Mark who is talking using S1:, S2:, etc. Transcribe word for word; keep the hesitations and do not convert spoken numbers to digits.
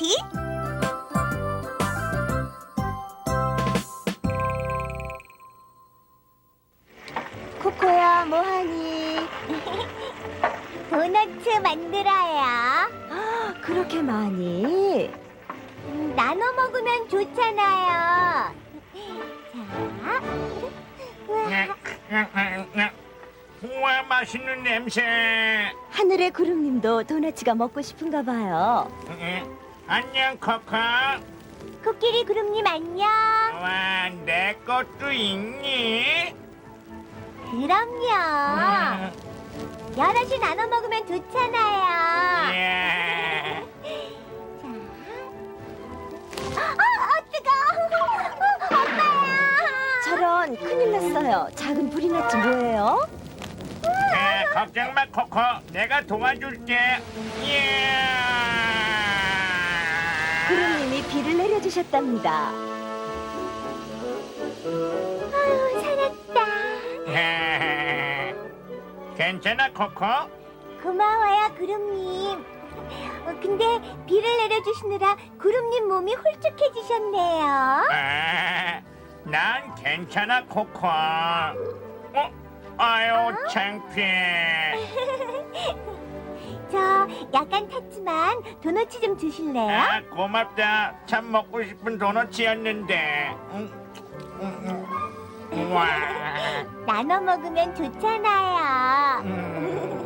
S1: 쿠키. 코코야, 뭐하니? 도너츠 만들어요. 그렇게 많이? 음, 나눠 먹으면 좋잖아요. 자, 우와.
S2: 우와, 맛있는 냄새.
S1: 하늘의 구름님도 도너츠가 먹고 싶은가 봐요.
S2: 응, 안녕, 코코.
S1: 코끼리 구름님 안녕.
S2: 와, 내 것도 있니?
S1: 그럼요. 여럿이 나눠 먹으면 좋잖아요.
S2: 예.
S1: 자. 어, 어, 뜨거. 어, 엄마야. 저런, 큰일 났어요. 작은 불이 났지 뭐예요?
S2: 에, 걱정 마, 코코. 내가 도와줄게. 예.
S1: 구름님이 비를 내려주셨답니다. 아유, 살았다.
S2: 괜찮아, 코코?
S1: 고마워요, 구름님. 어, 근데 비를 내려주시느라 구름님 몸이 홀쭉해지셨네요.
S2: 아, 난 괜찮아, 코코. 어? 아유, 창피해.
S1: 저 약간 탔지만 도넛 좀 드실래요?
S2: 아, 고맙다. 참 먹고 싶은 도넛이었는데. 음, 음, 음. 와.
S1: 나눠 먹으면 좋잖아요.
S2: 음.